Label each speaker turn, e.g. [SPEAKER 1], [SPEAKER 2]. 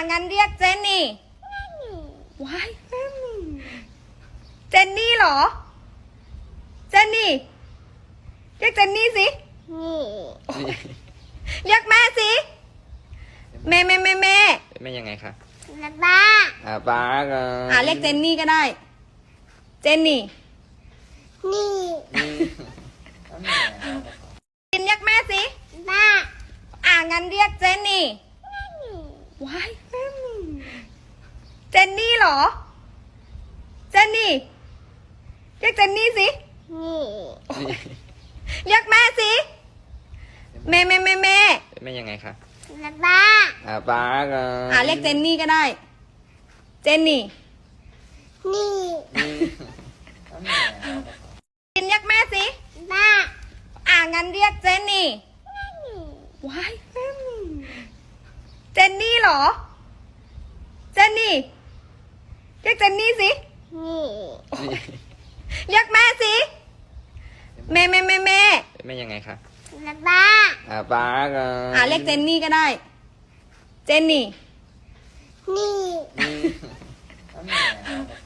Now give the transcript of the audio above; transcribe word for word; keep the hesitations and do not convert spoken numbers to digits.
[SPEAKER 1] งั้นเรียกเจนนี่ว้ายเจนนี่เหรอเจนนี่เรียกเจนนี่สิเรียกแม่สิแม่แม่แม่แม่
[SPEAKER 2] แม่ยังไงคะ
[SPEAKER 3] ป้า
[SPEAKER 2] อ่าป้าก็
[SPEAKER 1] อ่าเรียกเจนนี่ก็ได้ เจนนี่
[SPEAKER 3] นี่
[SPEAKER 1] กินเรียกแม่สิ
[SPEAKER 3] ป้า
[SPEAKER 1] อ่างั้นเรียกเจนนี่ว้ายเจนนี่เหรอเจนนี่เรียกเจนนี่สิ
[SPEAKER 3] นี่
[SPEAKER 1] เรียกแม่สิแม่แม่แม่แม่
[SPEAKER 2] แม่ยังไงคะ
[SPEAKER 3] ป้า
[SPEAKER 2] อ่าป้าก็
[SPEAKER 1] อ่าเรียกเจนนี่ก็ได้ เจนนี่
[SPEAKER 3] นี่
[SPEAKER 1] กินเรียกแม่สิ
[SPEAKER 3] ป้า
[SPEAKER 1] อ่างั้นเรียกเจนนี่ว้ายเจนนี่เหรอเจนนี่เรียกเจนนี่สิ
[SPEAKER 3] นี่
[SPEAKER 1] เรียกแม่สิแม่แม่แม่แม่
[SPEAKER 2] แม่ยังไงคะ
[SPEAKER 3] ป้า
[SPEAKER 2] อ่าป้าก็
[SPEAKER 1] อ่าเรียกเจนนี่ก็ได้ เจนนี่
[SPEAKER 3] นี่
[SPEAKER 2] นี่